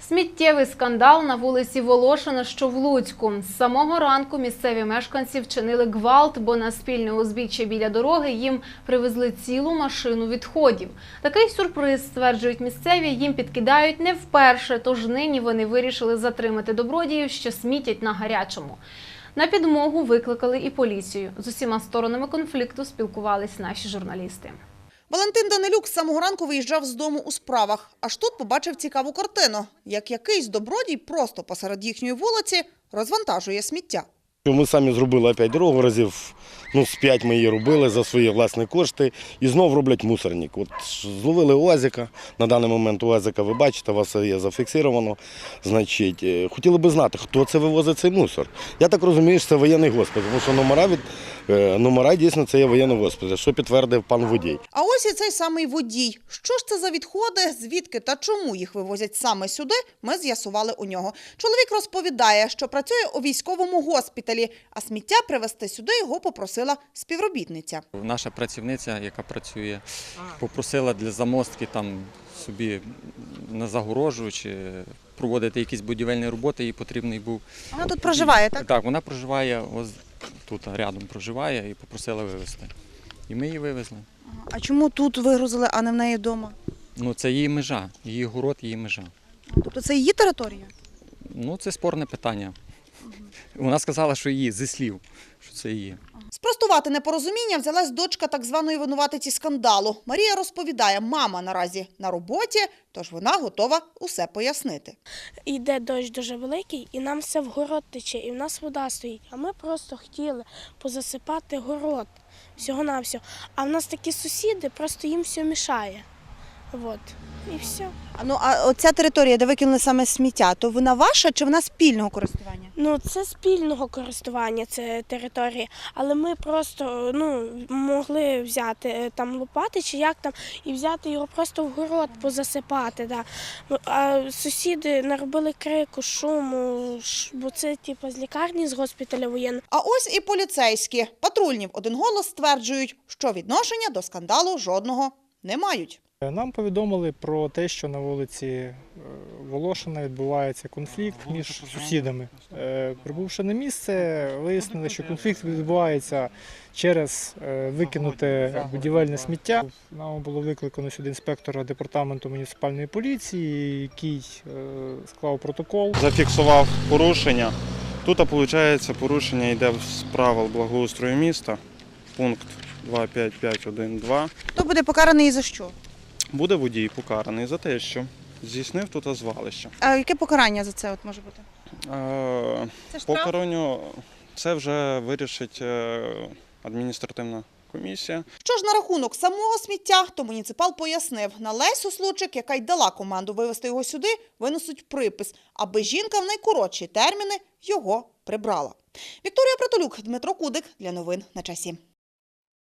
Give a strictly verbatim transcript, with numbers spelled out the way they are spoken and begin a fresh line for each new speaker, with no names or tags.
Сміттєвий скандал на вулиці Волошина, що в Луцьку. З самого ранку місцеві мешканці вчинили гвалт, бо на спільне узбіччя біля дороги їм привезли цілу машину відходів. Такий сюрприз, стверджують місцеві, їм підкидають не вперше, тож нині вони вирішили затримати добродіїв, що смітять на гарячому. На підмогу викликали і поліцію. З усіма сторонами конфлікту спілкувались наші журналісти.
Валентин Данилюк з самого ранку виїжджав з дому у справах. Аж тут побачив цікаву картину. Як якийсь добродій просто посеред їхньої вулиці розвантажує сміття.
Ми самі зробили опять дорогу, разів ну, з п'ять ми її робили за свої власні кошти і знов роблять мусорник. От зловили УАЗика, на даний момент УАЗика ви бачите, у вас є зафіксировано. Значить, хотіли би знати, хто це вивозить цей мусор. Я так розумію, що це воєнний госпіталь, тому що номера, від, номера дійсно це є воєнний госпіталь, що підтвердив пан водій.
А ось і цей самий водій. Що ж це за відходи, звідки та чому їх вивозять саме сюди, ми з'ясували у нього. Чоловік розповідає, що працює у військовому госпіталі, а сміття привезти сюди його попросила співробітниця.
Наша працівниця, яка працює, попросила для замостки там собі на загорожу чи проводити якісь будівельні роботи, їй потрібний був.
Вона тут проживає, так?
Так, вона проживає, ось тут рядом проживає і попросила вивезти. І ми її вивезли.
А чому тут вигрузили, а не в неї вдома?
Ну, це її межа, її город, її межа.
Тобто це її територія?
Ну, це спорне питання. Вона сказала, що її, зі слів, що це її.
Спростувати непорозуміння взялась дочка так званої винуватиці скандалу. Марія розповідає, мама наразі на роботі, тож вона готова усе пояснити.
Йде дощ дуже великий, і нам все в город тече, і в нас вода стоїть. А ми просто хотіли позасипати город, всього-навсього. А в нас такі сусіди, просто їм все мішає. От, і все.
Ну, а оця територія, де викинули саме сміття, то вона ваша чи вона спільного користування?
Ну, це спільного користування, це територія, але ми просто ну, могли взяти там лопати чи як там, і взяти його просто в город позасипати. Да. А сусіди наробили крику, шуму, бо це типу, з лікарні, з госпіталя воєнного.
А ось і поліцейські. Патрульні в один голос стверджують, що відношення до скандалу жодного не мають.
Нам повідомили про те, що на вулиці Волошина відбувається конфлікт між сусідами. Прибувши на місце, вияснили, що конфлікт відбувається через викинуте будівельне сміття. Нам було викликано сюди інспектора департаменту муніципальної поліції, який склав протокол.
Зафіксував порушення. Тут, виходить, порушення йде з правил благоустрою міста, пункт два п'ять п'ять один два.
Хто буде покараний і за що?
Буде водій покараний за те, що здійснив тут звалище.
А яке покарання за це от може бути?
Е,
Це штраф?
покаранню це вже вирішить адміністративна комісія.
Що ж на рахунок самого сміття, то муніципал пояснив, на Лесю Случик, яка й дала команду вивезти його сюди, винесуть припис, аби жінка в найкоротші терміни його прибрала. Вікторія Притулюк, Дмитро Кудик для новин на часі.